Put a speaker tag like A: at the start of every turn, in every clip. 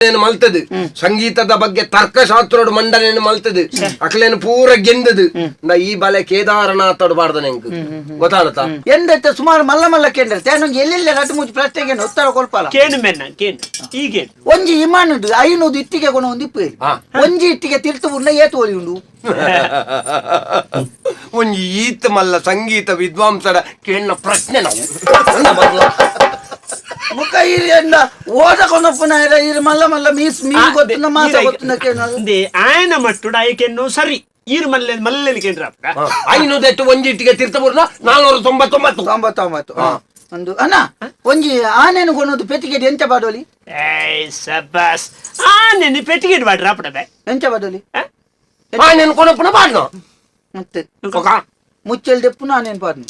A: ಮಲ್ತದು ಸಂಗೀತದ ಬಗ್ಗೆ ತರ್ಕಶಾಸ್ತ್ರೋಡು ಮಂಡನೆಯನ್ನು ಮಲ್ತದು ಅಕ್ಲೇನು ಪೂರ ಗೆಂದದು ನಾ ಈ ಬಲೆ ಕೇದಾರನಾಥೋಡು ಬಾರ್ದ ನೆಂಕ್ ಗೊತ್ತಾಗತ್ತಾ
B: ಎಂದೈತೆ ಸುಮಾರು ಮಲ್ಲ ಮಲ್ಲ ಕೇಂದ್ರ ಎಲ್ಲೆಲ್ಲ ರಟ್ಟು ಮುಚ್ಚಿ ಪ್ರಶ್ನೆಗೆ ಉತ್ತರ ಕೊಲ್ಪಲ್ಲ
C: ಕೇನು ಮೆನ್ನ ಕೇನು ಹೀಗೆ
B: ಒಂಜಿ ಇಮಾನುದು ಐನೂದು ಇಟ್ಟಿಗೆ ಕೊನ ಒಂದು ಇಪ್ಪು ಒಂಜಿ ಇಟ್ಟಿಗೆ ತಿರ್ತು ಉಂಡ ಏತು ಒಲಿ ಉಂಡು
A: ಒಂಜಿ ಈತ್ ಮಲ್ಲ ಸಂಗೀತ ವಿದ್ವಾಂಸರ ಕೇಳಿನ ಪ್ರಶ್ನೆ ನಾವು
B: ಮುಖ ಇರಿಯಂದ ಓದ ಕೊನಪ್ಪನ ಇರು ಮಲ್ಲ ಮಲ್ಲ ಮೀಸ್ ಮೀನು ಗೊತ್ತಿನ ಮಾಸ ಗೊತ್ತಿನ ಕೇಳಲ್ಲ
C: ಆಯನ ಮಟ್ಟುಡ ಆಯ್ಕೆನ್ನು ಸರಿ ಈರು ಮಲ್ಲೆ ಮಲ್ಲೆಲಿ ಕೇಂದ್ರ
A: ಐನೂದೆಟ್ಟು ಒಂಜಿ ಇಟ್ಟಿಗೆ ತೀರ್ಥಪುರ್ನ 499
B: ಒಂದು ಅಣ್ಣ ಒಂಜಿ ಆನೆನು ಕೊನೋದು ಪೆಟ್ಟಿಗೆ ಎಂಚ ಬಾಡೋಲಿ
C: ಸಬಾಸ್ ಆನೆ ಪೆಟ್ಟಿಗೆ ಬಾಡ್ರ ಅಪ್ಪಡಬೆ
B: ಎಂಚ ಬಾಡೋಲಿ
A: ಆನೆನು ಕೊನಪ್ಪನ ಬಾಡ್ನ
B: ಮತ್ತೆ ಮುಚ್ಚಲ್ ದೆಪ್ಪುನ ಆನೆನು ಬಾಡ್ನು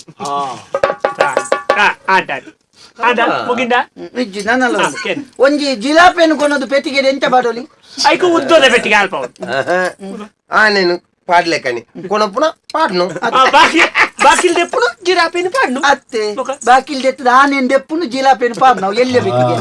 C: ಆಟ ಮುಗಿಂದ
B: ನಿಜ್ಜಿ ನನ್ನಲ್ಲ ಒಂಜಿ ಜಿಲಾಪೆನು ಕೊನೋದು ಪೆಟ್ಟಿಗೆ ಎಂಚ ಬಾಡೋಲಿ
C: ಐಕು ಉದ್ದೋದ ಪೆಟ್ಟಿಗೆ ಅಲ್ಪ
A: ಆನೆನು ಪಾಡ್ಲೆ ಕಣಿ ಕೊನಪ್ಪನ ಪಾಡ್ನು
C: ಬಾಕಿಲ್ ದೆಪ್ಪುನು ಜಿರಾಪೆನು ಪಾಡ್ನು
B: ಅತ್ತೆ ಬಾಕಿಲ್ ದೆತ್ತದ ಆನೆನ್ ದೆಪ್ಪುನು ಜಿಲಾಪೆನು ಪಾಡ್ ನಾವು ಎಲ್ಲೇ ಬೇಕಿಗೆ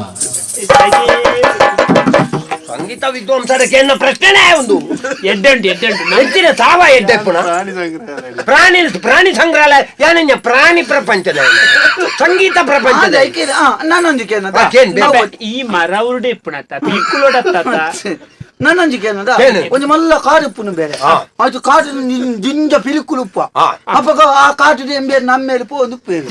A: ಸಂಗೀತ ವಿದ್ವಾಂಸರ ಕೇಳಿನ ಪ್ರಶ್ನೆನೇ ಒಂದು
C: ಎಡ್ಡುಂಟು
A: ಹೆಚ್ಚಿನ ಸಾವ ಎಡ್ಡೆಪ್ಪುನ ಪ್ರಾಣಿ ಸಂಗ್ರಹಾಲಯ ಯಾನೆಂಜ ಪ್ರಾಣಿ ಪ್ರಪಂಚದ ಸಂಗೀತ ಪ್ರಪಂಚದ
B: ನಾನೊಂದಿಗೆ
C: ಈ ಮರ ಉರುಡೆ ಇಪ್ಪುಣತ್ತ ಪಿಕ್ಕುಲೋಡತ್ತ
B: ನನ್ನೊಂದಿಗೆ ಏನದ ಒಂದು ಮಲ್ಲ ಕಾಡು ಉಪ್ಪುನು ಬೇರೆ ಅದು ಕಾಡು ಜಿಂಜ ಪಿಲಿಕುಲು ಉಪ್ಪ ಅಪ್ಪ ಆ ಕಾಟು ಎಂಬೇರು ನಮ್ಮ ಮೇಲೆ ಪೋ ಒಂದು ಉಪ್ಪು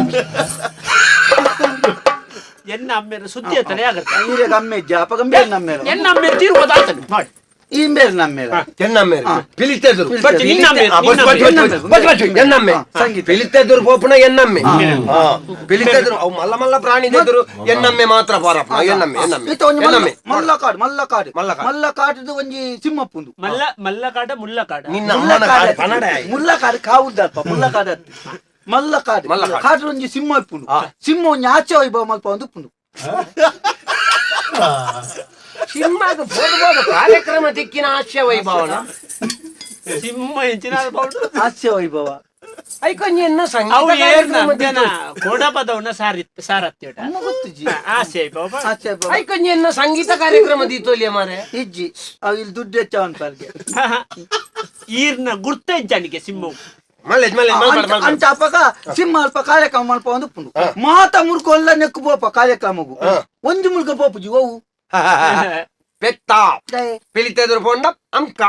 C: ಎನ್ನ ಅಮ್ಮೇರ ಸುದ್ದಿ ಅತ್ತನೆ ಆಗತ್ತೆ
B: ಈರೆಗ ಅಮ್ಮೆಜ್ಜ ಅಪ್ಪ ಗಂಬೇರು ನಮ್ಮೇರು
C: ಎನ್ನ ಅಮ್ಮೇರ ತೀರ್ಬೋದಾಗ್ತಾನೆ ಮಾಡಿ
B: ಈ ಮೇರು ನಮ್ಮೇರು
A: ಎನ್ನಮ್ಮೇರು ಪಿಲಿತೆದುರು ಎನ್ನಮ್ಮೆ
B: ಸಂಗೀತ
A: ಪಿಲಿತೆದುರು ಪೋಪುನ ಎನ್ನಮ್ಮೆ ಪಿಲಿತೆದುರು ಅವು ಮಲ್ಲ ಮಲ್ಲ ಪ್ರಾಣಿದೆದುರು ಎನ್ನಮ್ಮೆ ಮಾತ್ರ ಪಾರಪ್ಪ ಎನ್ನಮ್ಮೆ
B: ಮಲ್ಲಕಾಟದ ಒಂಜಿ ಸಿಂಹಪ್ಪುಂದು
C: ಮಲ್ಲಕಾಡ ಮುಲ್ಲಕಾಡ
A: ನಿನ್ನ ಅಮ್ಮನ ಕನ್ನಡ
B: ಮುಲ್ಲಕಾಡು ಕಾವುದಲ್ಪ ಮುಲ್ಲಕಾಡ ಮಲ್ಲಕಾಡು ಕಾಟು ಒಂಜಿ ಸಿಂಹ ಇಪ್ಪುಂಡು ಸಿಂಹ ಒಂಜಿ ಆಚೆ ವೈಭವ ಮಲ್ಪ ಒಂದು ಉಪ್ಪುಂಡು
A: ಸಿಂಹದ ಕಾರ್ಯಕ್ರಮ ದಿಕ್ಕಿನ ಹಾಸ್ಯ ವೈಭವನ
C: ಸಿಂಹ ಹೆಚ್ಚಿನ
B: ಹಾಸ್ಯ ವೈಭವ
A: ಐಕೊಂಜಿ ಎನ್ನ
C: ಕೋಡಪದವನ್ನ ಸಾರತ್ಯಟ ಆಸೆ
A: ಐಕೊಂಜಿ ಎನ್ನ ಸಂಗೀತ ಕಾರ್ಯಕ್ರಮ ದೀತೋಲಿಯ ಮಾರೆ
B: ಇಜ್ಜಿ ಅವ್ ಇಲ್ಲಿ ದುಡ್ಡು ಹೆಚ್ಚ ಅನ್ಪಾರ್ಗೆ
C: ಈರ್ನ ಗುರ್ತ ಇಜ್ಜನಿಗೆ ಸಿಂಹ
B: ಅಂಚ ಅಪ್ಪಗ ಸಿಂಹ ಅಲ್ಪ ಕಾರ್ಯಕ್ರಮ ಮಲ್ಪ ಒಂದು ಉಪ್ಪುಂಡು ಮಾತ ಮುರ್ಕೊಲ್ಲ ನೆಕ್ಕು ಪೋಪ ಕಾರ್ಯಕ್ರಮಗು ಒಂಜಿ ಮುಲ್ಕ ಪೋಪುಜಿ ಓವು
A: ಪೆತ್ತ ಪಿಲಿತೆದುರು ಪೋಂಡ ಅಂಕ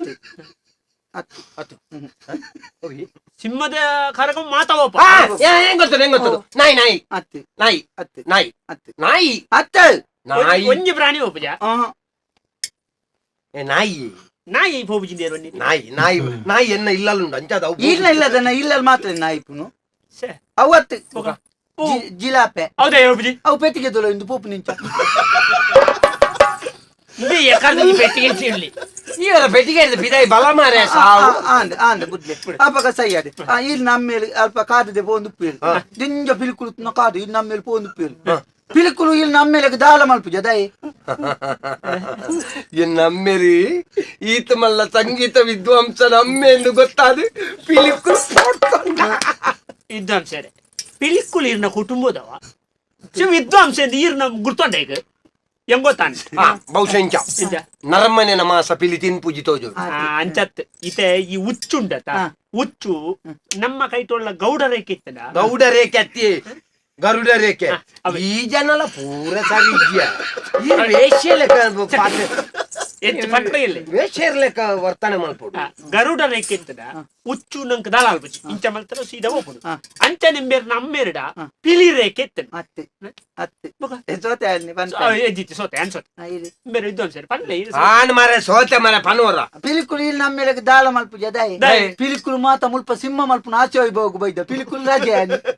C: ಸಿಂಹದ ಕಾರ್ಯಕ್ರಮ ಮಾತಾವಪ್ಪ
A: ಹೆಂಗ್ ಗೊತ್ತದು ನಾಯಿ ನಾಯಿ ನಾಯಿ ನಾಯಿ ನಾಯಿ
B: ಅತ್ತೆ
A: ನಾಯಿ
C: ಒಂಜಿ ಪ್ರಾಣಿ ಹೋಪುಜ
A: ನಾಯಿ
C: ನಾಯಿ ಹೋಪುಜಿಂದೇರು
A: ನಾಯಿ ನಾಯಿ ನಾಯಿ ಎನ್ನ ಇಲ್ಲಲ್ಲುಂಡು ಅಂಚದ
B: ಇಲ್ಲದನ್ನ ಇಲ್ಲಲ್ಲಿ ಮಾತ್ರ ನಾಯಿ ಪುನು ಅವತ್ತು ಜಿಲಾಪೆ
C: ಹೌದಾ ಹೋಪುಜಿ
B: ಅವು ಪೆಟ್ಟಿಗೆ ದೊಲ ಇಂದು ಪೂಪು ನಿಂಚ
C: ಪೆಟ್ಟಿಗೆ ಚಿರ್ಲಿ
A: ಇವರ ಪೆಟ್ಟಿಗೆ ಬಿದಾಯಿ ಬಲ ಮಾರೆ
B: ಆಂದ ಬುದ್ಧಿ ಅಪ್ಪಗ ಸೈಯಾದೆ ಇಲ್ಲಿ ನಮ್ಮ ಮೇಲೆ ಅಲ್ಪ ಕಾದಿದೆ ಪೋಂದು ಉಪ್ಪೇರು ದಿಂಜ ಪಿಲಿಕುಲು ಕಾದು ಇಲ್ಲಿ ನಮ್ಮ ಮೇಲೆ ಪೋಂದು ಉಪ್ಪೇರು ಪಿಲಿಕುಲು ಇಲ್ಲಿ ನಮ್ಮ ಮೇಲೆ ದಾಳ ಮಲ್ಪುಜ ದಯ
A: ನಮ್ಮೆರಿ ಈತ ಮಲ್ಲ ಸಂಗೀತ ವಿದ್ವಾಂಸ ನಮ್ಮೆ ಎಂದು ಗೊತ್ತಾದ ಪಿಲಿಕುಲು
C: ವಿದ್ವಾಂಸರೇ ಪಿಲಿಕುಲು ಇರ್ನ ಕುಟುಂಬದವ ವಿದ್ವಾಂಸ ಈರ್ನ ಗುರ್ತೊಂಡ ಈಗ ಹೆಂಗ್ ಗೊತ್ತಾನೆ
A: ಬಹುಶಃ ನರಮ್ಮನೆ ನಮಾಸ ಪಿಲಿ ತಿನ್ಪುಜಿ ತೋಜು
C: ಅಂಚತ್ ಈತೆ ಈ ಹುಚ್ಚುಂಡತ ಹುಚ್ಚು ನಮ್ಮ ಕೈಟೊಳ್ಳ ಗೌಡ ರೇಖೆ ಇತ್ತದ
A: ಗೌಡ ರೇಖೆ ಅತ್ತಿ ಗರುಡ ರೇಖೆ ಈ ಜನಲ ಪೂರ ಸರಿ ಈ ವೇಷ್ಯ ಲೆಕ್ಕ ವೇಷ್ಯ ಲೆಕ್ಕ ವರ್ತನೆ ಮಲ್ಪುಡು
C: ಗರುಡ ರೇಖೆ ಇತ್ತದ ಹುಚ್ಚು ನಂಗೆ ದಾಳ ಅಲ್ಪಚ್ಚಿ ಇಂಚ ಮಲ್ತರ ಸೀದಾ ಹೋಗ್ಬೋದು ಅಂಚ ನಿಂಬೇರ್ ನಮ್ಮೇರಿಡ ಪಿಲಿ ರೇಖೆ ಇತ್ತದ
B: ಅತ್ತೆ ಅತ್ತೆ ಸೋತೆ
C: ಎಜ್ಜಿತ್ತು ಸೋತೆ ಅನ್ಸೋತೆ ಬೇರೆ ವಿದ್ವಾಂಸರು ಪನ್ಲೆ
A: ಆನ್ ಮಾರೆ ಸೋತೆ ಮಾರೆ ಪನ್ವರ
B: ಪಿಲಿಕುಲು ಇಲ್ಲಿ ನಮ್ಮ ಮೇಲೆ ದಾಳ ಮಲ್ಪುಜ ದಯ ಪಿಲಿಕುಲು ಮಾತ ಮುಲ್ಪ ಸಿಂಹ ಮಲ್ಪುನ ಆಚೆ ವೈಭವಕ್ಕೆ ಬೈದ ಪಿಲಿಕುಲು ರಾಜೆ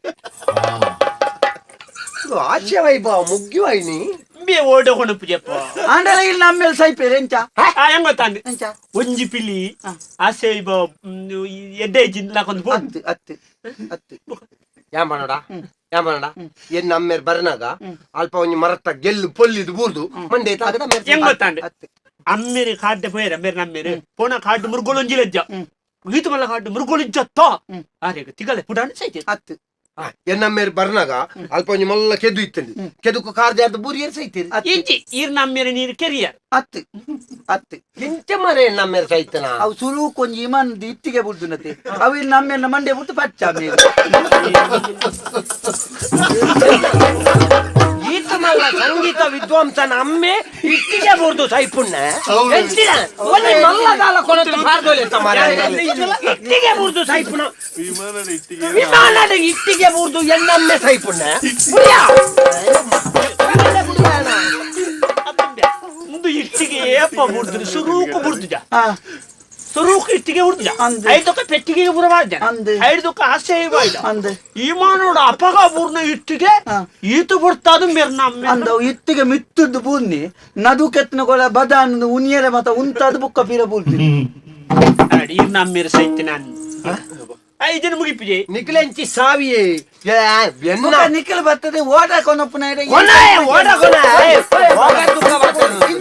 A: ಆಚೆ ವೈಭವ ಮುಗ್ಗಿವಾಯ್ನಿ
C: ಬೇ ಓಡೋಣ ಪೂಜಪ್ಪ
B: ಆಂಡಲ ಇಲ್ಲಿ ನಮ್ಮ ಮೇಲೆ ಸೈಪೇರೆ ಎಂಚ
C: ಹೆಂಗ್ ಗೊತ್ತಾಂದೆ ಒಂಜಿ ಪಿಲಿ ಆಸೆ ಎಡ್ಡೆ ಜಿನ್ಲಾಕೊಂದು
B: ಅತ್ತೆ ಅತ್ತೆ ಅತ್ತೆ
A: ಯಾಂಬನೋಡ ಏನ್ ನಮ್ಮೇರ್ ಬರ್ನಾಗ ಅಲ್ಪ ಒಂಜಿ ಮರತ್ತ ಗೆಲ್ಲು ಪೊಲ್ಲಿದು ಬೂರ್ದು ಮಂಡೆ
C: ಹೆಂಗ್ ಗೊತ್ತಾಂಡೆ ಅಮ್ಮೇರಿ ಕಾಡ್ಡೆ ಪೋಯರ ಮೇರೆ ನಮ್ಮೇರೆ ಪೋಣ ಕಾಡು ಮುರುಗೋಳೊಂಜಿಲೆಜ್ಜ ಗೀತು ಮಲ್ಲ ಕಾಡು ಮುರುಗೋಳಿಜ್ಜತ್ತ ಆರೇಗ ತಿಗಲೆ ಪುಡಾಣ ಸೈತೆ
B: ಅತ್ತೆ
A: ಎನ್ನ ಮೇರೆ ಬರ್ನಾಗ ಅಲ್ಪ ಒಂಜಿ ಮಲ್ಲ ಕೆದು ಇತ್ತಂಡಿ ಕೆದುಕು ಕಾರ್ ಜಾರ್ದ ಬೂರಿಯರ್ ಸೈತೀರಿ
C: ಇಂಚಿ ಈರ್ ನಮ್ಮೇರ ನೀರು ಕೆರಿಯರ್
B: ಅತ್ತು ಅತ್ತು
A: ಎಂಚ ಮರೆ ಎನ್ನ ಮೇರೆ ಸೈತನ
B: ಅವು ಸುರು ಕೊಂಚ ಇಮನ್ ಇತ್ತಿಗೆ ಬುಡ್ದುನತೆ ಅವು ಇಲ್ಲಿ ನಮ್ಮೇಲೆ ಮಂಡೆ ಬಿಟ್ಟು ಪಚ್ಚ ಮೇಲೆ
A: ಈತ ಮಲ್ಲ ಸಂಗೀತ ವಿದ್ವಾಂಸನ ಅಮ್ಮೆ ಇಟ್ಟಿಗೆ ಬುರ್ದು ಸೈಪುಣ್ಣ ಮಲ್ಲಗಾಲ ಕೊನತ್ತು ಪಾರ್ದೋಲೆ ಇಟ್ಟಿಗೆ ಬುರ್ದು ಸೈಪುಣ ವಿಮಾನದ ಇಟ್ಟಿಗೆ ಬುರ್ದು ಎನ್ನಮ್ಮೆ ಸೈಪುಣ್ಣ
C: ಮುಂದು ಇಟ್ಟಿಗೆ ಏಪ ಬುಡ್ದು ಸುರೂಕು ಬುಡ್ದು
B: ಹಾ
C: ಸುರೂಕು ಇಟ್ಟಿಗೆ ಬುಡ್ದು
B: ಅಂದೆ.
C: ಐದೊಕ್ಕ ಪೆಟ್ಟಿಗೆ ಬುರವಾದ
B: ಅಂದೆ.
C: ಐದೊಕ್ಕ ಆಸೆವಾಯ್ದ
B: ಅಂದೆ
C: ಈಮಾನೋಡ ಅಪಗ ಬೂರ್ನ ಇಟ್ಟಿಗೆ
B: ಹಾ.
C: ಈತು ಬುಡ್ತಾದು ಮೇರ್ ನಮ್ಮೆ
B: ಅಂದ ಇತ್ತಿಗೆ ಮಿತ್ತದ್ದು ಬೂರ್ನಿ ನದು ಕೆತ್ತನ ಕೊಳ ಬದಾನ್ ಉನಿಯರೆ ಮತ ಉಂತಾದ ಬುಕ್ಕ ಪೀರ ಬೂರ್ನಿ
C: ಈರ್ ನಮ್ಮೇರ ಸೈತೆ ನಾನು ಐದನ ಮುಗಿಪಿಜೆ
A: ನಿಖಿಲೆಂಚಿ ಸಾವಿಯೇ
B: ನಿಖಲ್ ಬರ್ತದೆ ಓಡ ಕೊನಪ್ಪನ
A: ಕೊನೆ ಓಡ ಕೊನೆ